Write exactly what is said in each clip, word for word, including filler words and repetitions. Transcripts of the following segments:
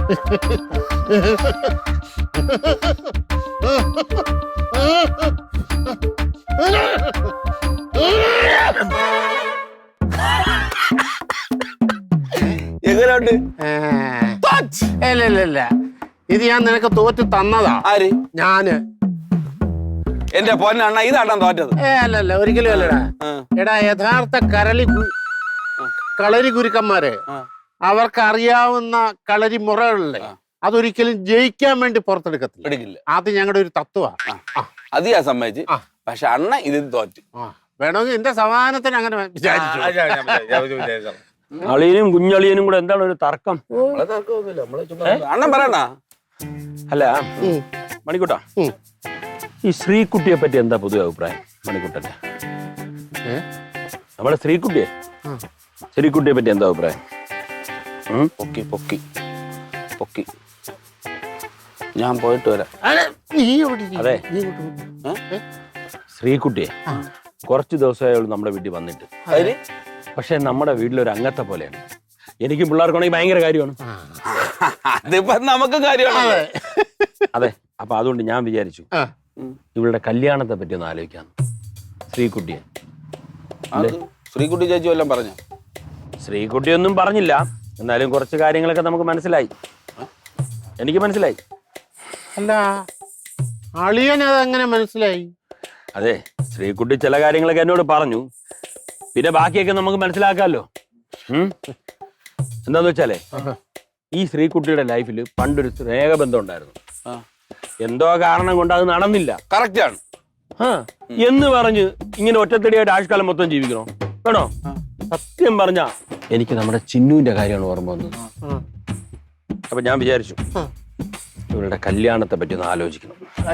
എങ്ങനെയുണ്ട്? ഇല്ല ഇത് ഞാൻ നിനക്ക് തോറ്റ് തന്നതാ. ആര്? ഞാന്. എന്റെ പൊന്നണ്ണ ഇതാണ്ടാ തോറ്റത്? ഏ അല്ലല്ല ഒരിക്കലും അല്ലടാ. എടാ യഥാർത്ഥ കരളി കളരി ഗുരുക്കന്മാര് അവർക്ക് അറിയാവുന്ന കളരി മുറകളിലെ അതൊരിക്കലും ജയിക്കാൻ വേണ്ടി പുറത്തെടുക്കത്തില്ല. അത് ഞങ്ങളുടെ ഒരു തത്വമാണ്. അത് ഞാൻ സമ്മതിച്ച്. പക്ഷെ അണ്ണ ഇത് തോറ്റ്. വേണമെങ്കിൽ എന്റെ സമാധാനത്തിന് അങ്ങനെ വിചാരിച്ചു. അളിയനും കുഞ്ഞളിയനും കൂടെ എന്താണ് ഒരു തർക്കം? അണ്ണൻ പറയണ. അല്ല മണിക്കുട്ടാ, ഈ ശ്രീകുട്ടിയെ പറ്റി എന്താ പൊതുവെ അഭിപ്രായം മണിക്കുട്ടന്റെ? നമ്മളെ ശ്രീകുട്ടിയെ ശ്രീകുട്ടിയെ പറ്റി എന്താ അഭിപ്രായം? പൊക്കി പൊക്കി പൊക്കി ഞാൻ പോയിട്ട് വരാം. അതെ, ശ്രീകുട്ടിയെ കുറച്ച് ദിവസമായുള്ളൂ നമ്മുടെ വീട്ടിൽ വന്നിട്ട്. പക്ഷെ നമ്മുടെ വീട്ടിലൊരു അംഗത്തെ പോലെയാണ്. എനിക്കും പിള്ളേർക്കാണെങ്കിൽ ഭയങ്കര കാര്യമാണ്. അതിപ്പോ നമുക്ക് കാര്യമാണ്. അതെ, അപ്പൊ അതുകൊണ്ട് ഞാൻ വിചാരിച്ചു ഇവളുടെ കല്യാണത്തെ പറ്റി ഒന്ന് ആലോചിക്കാന്ന്. ശ്രീകുട്ടിയെ ശ്രീകുട്ടി ചേച്ചി വല്ലതും പറഞ്ഞു? ശ്രീകുട്ടിയൊന്നും പറഞ്ഞില്ല, എന്നാലും കുറച്ച് കാര്യങ്ങളൊക്കെ നമുക്ക് മനസ്സിലായി. എനിക്ക് മനസ്സിലായി. അല്ല അളിയൻ അതെങ്ങനെ മനസ്സിലായി? അതെ, ശ്രീകുട്ടി ചില കാര്യങ്ങളൊക്കെ എന്നോട് പറഞ്ഞു. പിന്നെ ബാക്കിയൊക്കെ നമുക്ക് മനസ്സിലാക്കാമല്ലോ. എന്താന്ന് വെച്ചാലേ, ഈ ശ്രീകുട്ടിയുടെ ലൈഫിൽ പണ്ടൊരു സ്നേഹബന്ധം ഉണ്ടായിരുന്നു. എന്തോ കാരണം കൊണ്ട് അത് നടന്നില്ല. കറക്റ്റ് ആണ്. ആ എന്ന് പറഞ്ഞ് ഇങ്ങനെ ഒറ്റത്തടിയായിട്ട് ആഴ്ചക്കാലം മൊത്തം ജീവിക്കണോ? വേണോ? സത്യം പറഞ്ഞാ എനിക്ക് നമ്മുടെ ചിന്നുവിന്റെ കാര്യമാണ് ഓർമ്മ വന്നത്. അപ്പൊ ഞാൻ വിചാരിച്ചു ഇവരുടെ കല്യാണത്തെ പറ്റി ഒന്ന് ആലോചിക്കണം.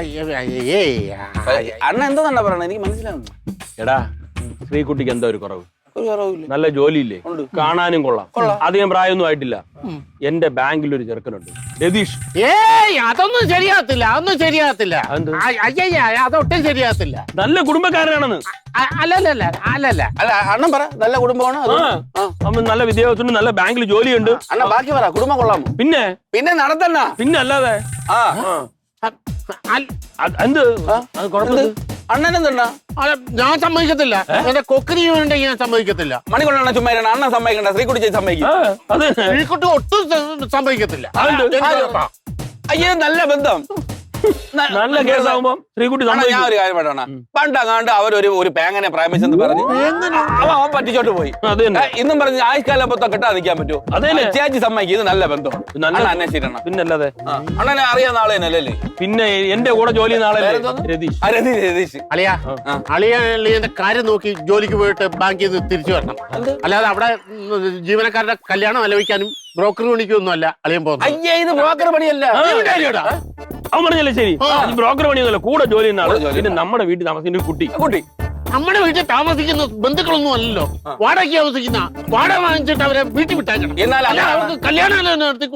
അണ്ണ എന്താ പറയണ? എനിക്ക് മനസ്സിലാവുന്നു. എടാ, ശ്രീകുട്ടിക്ക് എന്താ ഒരു കുറവ്? നല്ല ജോലിയില്ലേ, കാണാനും കൊള്ളാം, അധികം പ്രായമൊന്നും ആയിട്ടില്ല. എന്റെ ബാങ്കിൽ ഒരു ചെറുക്കനുണ്ട്, രതീഷ്. ഏയ് അതൊന്നും ശരിയാകത്തില്ല, അതൊന്നും ശരിയാകത്തില്ല. അതൊട്ടും ശരിയാകത്തില്ല. നല്ല കുടുംബക്കാരനാണെന്ന്. അല്ലല്ല അല്ലല്ല അല്ല അണ്ണൻ പറ, നല്ല കുടുംബമാണ്. അവൻ നല്ല വിദ്യാഭ്യാസമുണ്ട്, നല്ല ബാങ്കിൽ ജോലിയുണ്ട്. അണ്ണ ബാക്കി പറ, കുടുംബം കൊള്ളാമോ? പിന്നെ പിന്നെ നടത്തണ്ണ. പിന്നെ അല്ലാതെ എന്ത് കുഴപ്പമില്ല. അണ്ണനെന്താ? ഞാൻ സമ്മതിക്കത്തില്ല. എന്റെ കൊക്കിനി ഉണ്ടെങ്കിൽ ഞാൻ സമ്മതിക്കത്തില്ല. മണിക്കൊണ്ടാണ് ചുമ്മാ അണ്ണൻ സമ്മതിക്കണ്ട, ശ്രീകുട്ടി ചേച്ചി സമ്മതിക്കും. ശ്രീകുട്ടി ഒട്ടും സമ്മതിക്കത്തില്ല. അയ്യോ നല്ല ബന്ധം, നല്ല കേസാവുമ്പോ ശ്രീകുട്ടി. ഞാൻ ഒരു കാര്യം പറയണ, പണ്ടങ്ങാണ്ട് അവരൊരു ഒരു പേങ്ങനെ പ്രേമിച്ചെന്ന് പറഞ്ഞ് അവൻ അവൻ പറ്റിച്ചോട്ട് പോയി. ഇന്നും പറഞ്ഞ് ആയുഷ്കാലം മൊത്തം കിട്ടാതെ നിൽക്കാൻ പറ്റുമോ? ചേച്ചി സമ്മതിക്കും, ഇത് നല്ല ബന്ധം. അന്വേഷിക്കണം. പിന്നല്ലാതെ അണ്ണനെ അറിയാവുന്ന ആളേനല്ലേ? പിന്നെ എന്റെ കൂടെ ജോലി നാളെ രതീഷ്. രതീഷ് അളിയാ, അളിയന്റെ കാര്യം നോക്കി ജോലിക്ക് പോയിട്ട് ബാങ്കിൽ നിന്ന് തിരിച്ചു വരണം. അല്ലാതെ അവിടെ ജീവനക്കാരുടെ കല്യാണം ആലോചിക്കാനും ബ്രോക്കർ പണിക്കൊന്നും അല്ല അളിയൻ പോകുന്നത്. അയ്യേ, ഇത് ബ്രോക്കർ പണിയല്ല. അവൻ പറഞ്ഞല്ലേ ശരി, ബ്രോക്കർ പണിയൊന്നുമല്ല, കൂടെ ജോലി ചെയ്യുന്ന ആള്. പിന്നെ നമ്മുടെ വീട്ടിൽ താമസിക്കുന്ന ഒരു കുട്ടി. കുട്ടി നമ്മുടെ വീട്ടിൽ താമസിക്കുന്ന ബന്ധുക്കളൊന്നും അല്ലല്ലോ, വാടകയ്ക്ക് താമസിക്കുന്ന. വാടക വാങ്ങിച്ചിട്ട് അവരെ വീട്ടിൽ വിട്ടേക്കണം. എന്നാൽ അവർക്ക് കല്യാണം നടത്തി.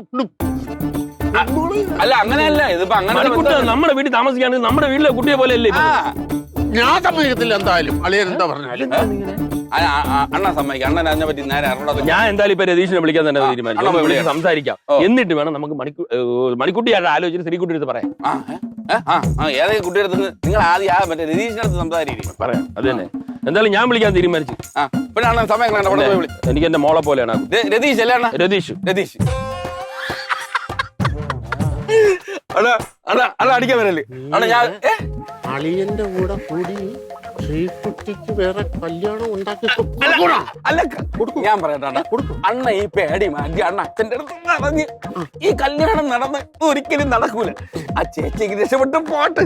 അല്ല അങ്ങനെയല്ല, ഇതിപ്പോ അങ്ങനെ നമ്മുടെ വീട്ടിൽ താമസിക്കുകയാണെങ്കിൽ നമ്മുടെ വീട്ടിലെ കുട്ടിയെ പോലെ അല്ലേ? ഞാൻ സമ്മതിക്കത്തില്ല. എന്തായാലും അളിയൻ എന്താ പറഞ്ഞാലും അണ്ണ സമ്മതിക്കാം. അണ്ണൻ അതിനെ പറ്റി നേരെ അറിഞ്ഞത്. ഞാൻ എന്തായാലും ഇപ്പൊ രതീഷിനെ വിളിക്കാൻ തന്നെ തീരുമാനിച്ചു. സംസാരിക്കാം, എന്നിട്ട് വേണം നമുക്ക് മണിക്കൂ മണിക്കുട്ടിയായിട്ട് ആലോചിച്ച് ശ്രീകുട്ടി അടുത്ത് പറയാം. ഏതെങ്കിലും കുട്ടിയുടെ അടുത്ത് നിങ്ങൾ ആദ്യം ആ മറ്റേ രതീഷിന്റെ അടുത്ത് സംസാരിക്കും. പറയാം, അത് തന്നെ. എന്തായാലും ഞാൻ വിളിക്കാൻ തീരുമാനിച്ചു. പിന്നെ അണ്ണൻ സമയം എനിക്ക് എന്റെ മോളെ പോലെയാണ്. രതീഷ് അല്ലേ അണ്ണ? രതീഷ് രതീഷ് അടിക്കാൻ വരല്ലേ അണ്ണ? ഞാൻ അളിയന്റെ കൂടെ കൂടി ശ്രീകുട്ടിക്ക് വേറെ കല്യാണം ഉണ്ടാക്കി അല്ല ഞാൻ പറയട്ടെ, അണ്ണ ഈ പേടി മാറ്റി അണ്ണ അച്ഛന്റെ അടുത്ത് പറഞ്ഞ് ഈ കല്യാണം നടന്ന് ഒരിക്കലും നടക്കൂല. ആ ചേച്ചിക്ക് രക്ഷപ്പെട്ട് പോട്ട്.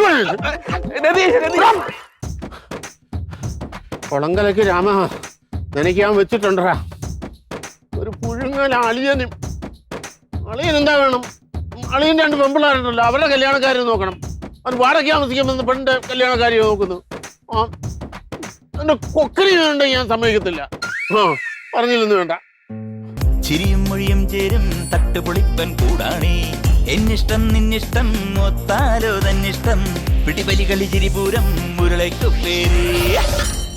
കുളങ്കലക്ക് രാമ നനയ്ക്കാൻ വെച്ചിട്ടുണ്ടാ ഒരു പുഴുങ്ങൽ. അളിയനും അളിയൻ എന്താ വേണം? അളിയൻ രണ്ട് പെമ്പിള്ളാരുണ്ടല്ലോ, അവരുടെ കല്യാണക്കാരെ നോക്കണം. അത് വാടക താമസിക്കുമ്പോൾ പെണ്ണിന്റെ കല്യാണക്കാരെ നോക്കുന്നു. ആ എന്റെ കൊക്കരി വേണ്ട, ഞാൻ സമ്മതിക്കത്തില്ല. ആ പറഞ്ഞില്ലെന്ന് വേണ്ട. ചിരിയും മൊഴിയും ചേരും തട്ടുപൊളിപ്പൻ കൂടാണേ. എന്നിഷ്ടം നിന്നിഷ്ടം ഒത്താലോ തന്നിഷ്ടം. പിടിപലി കളി ചിരിപൂരം മുരളയ്ക്കു പേര്.